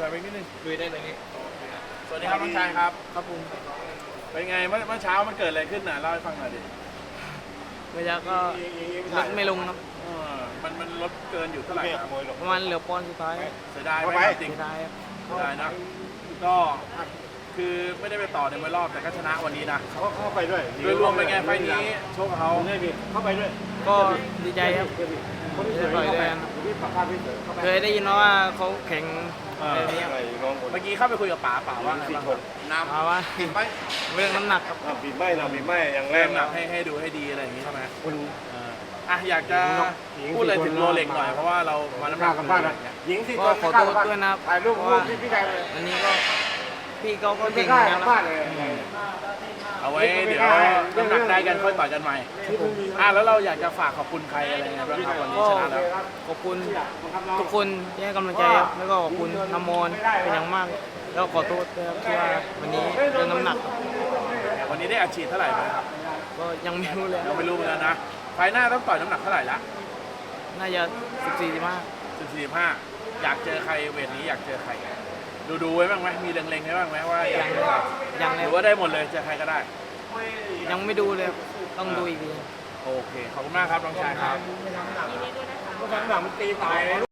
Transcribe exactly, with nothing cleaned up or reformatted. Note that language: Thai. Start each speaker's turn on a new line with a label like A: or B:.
A: ไปนิดนึง
B: ลุยได้เลยนี่
A: สวัสดีครับน้องชายครับ
B: ครับผม
A: เป็นไงเมื่อเมื่อเช้ามันเกิดอะไรขึ้นน่ะเล่าให้ฟังหน่อยดิ
B: เวลาก็ลดไม่ลงครับ
A: เออมันมันลดเกินอยู่เท่าไหร่ครับ
B: ประมาณเหลือปอนด์สุดท้าย
A: เสียดายไหมจริง
B: เสียดายครับ
A: เสียดายนะก็คือไม่ได้ไปต่อในมวยรอบแต่ก็ชนะวันนี้นะ
C: เขาเข้าไปด้วย
A: โดยรวมเป็นไงไฟล์นี้โชคเขา
C: ได้พี่เข้าไปด้วย
B: ก็ดีใจครับ
C: คนที่สวยเข้าไปพี่ปากคาพี่เสือเข้าไป
B: เคยได้ยินมาว่าเขาแข่งแบบนี้ครับ
C: น้องคน
A: เมื่อกี้เข้าไปคุยกับป๋าป๋าว่าไงบ้างครับน้ำ
B: มาว่า
A: ผิดไหม
B: เรื่องน้ำหนักครับ
C: บีบไม่นะบีบไม่อย่างแร
A: เริ่
C: ก
A: มหนั
C: นะ
A: กให้ให้ดูให้ดีอะไรอย่างนี้ใช่ไหม
C: คุณ
A: เอออ่ะอยากจะพูดอะไรถึงโรเล็กหน่อยเพราะว่าเรามาน้ำห
C: ก
A: นั
C: ล้าก กันบ้านนะหญิงสี่
B: ก็
C: คน
B: ขอโทษด้วยนะครับ
C: ถ่ายรูป
B: เพราะ
C: รู
B: ว่า
C: ปพี่พี่ชายเลย
B: อันนี้ก็พี่เขาก็
C: ไม่
B: เก่ง
C: กล้า
B: นะ
C: กัน
B: ค
C: บ้า
B: รั
C: น
B: บ
C: เลย
A: เอาไว้เดี๋ยวน้ำหนักได้กันค่อยต่อยกันใหม่อ่ะแล้วเราอยากจะฝากขอบคุณใครอะไรไงบ้างครับวันนี้
B: ก็
A: ชนะแล้ว
B: ขอบคุณทุกคนที่ให้กำลังใจครับแล้วก็ขอบคุณน้ำมนต์เป็นอย่างมาก แล้วขอโทษด้วยครับที่ว่าวันนี้เรื่องน้ำหนักครับ
A: วันนี้ได้อัดฉีดเท่าไหร่ไหมครับ
B: ก็ยังไม่รู้เลยค
A: ยั
B: รับ
A: งไม่รู้เหมือนกันนะไฟล์หน้าต้องต่อยน้ำหนักเท่าไหร่ละ
B: น่าจะสิบสี่สิบห้า
A: สิบสี่ห้าอยากเจอใครเวทนี้อยากเจอใคร ดูดูไว้บ้างไหมมีเล็งๆไว้บ้างไหมว่าอยากเจอใคร
B: ยัง
A: ห
B: เลย
A: รือว่าได้หมดเลยเจอใครก็ได้
B: ยังไม่ดูเลยครับต้องดูอีกที
A: โอเคขอบคุณมากครับน้องชายครับ
C: ก็ทางหลังมันตีตาย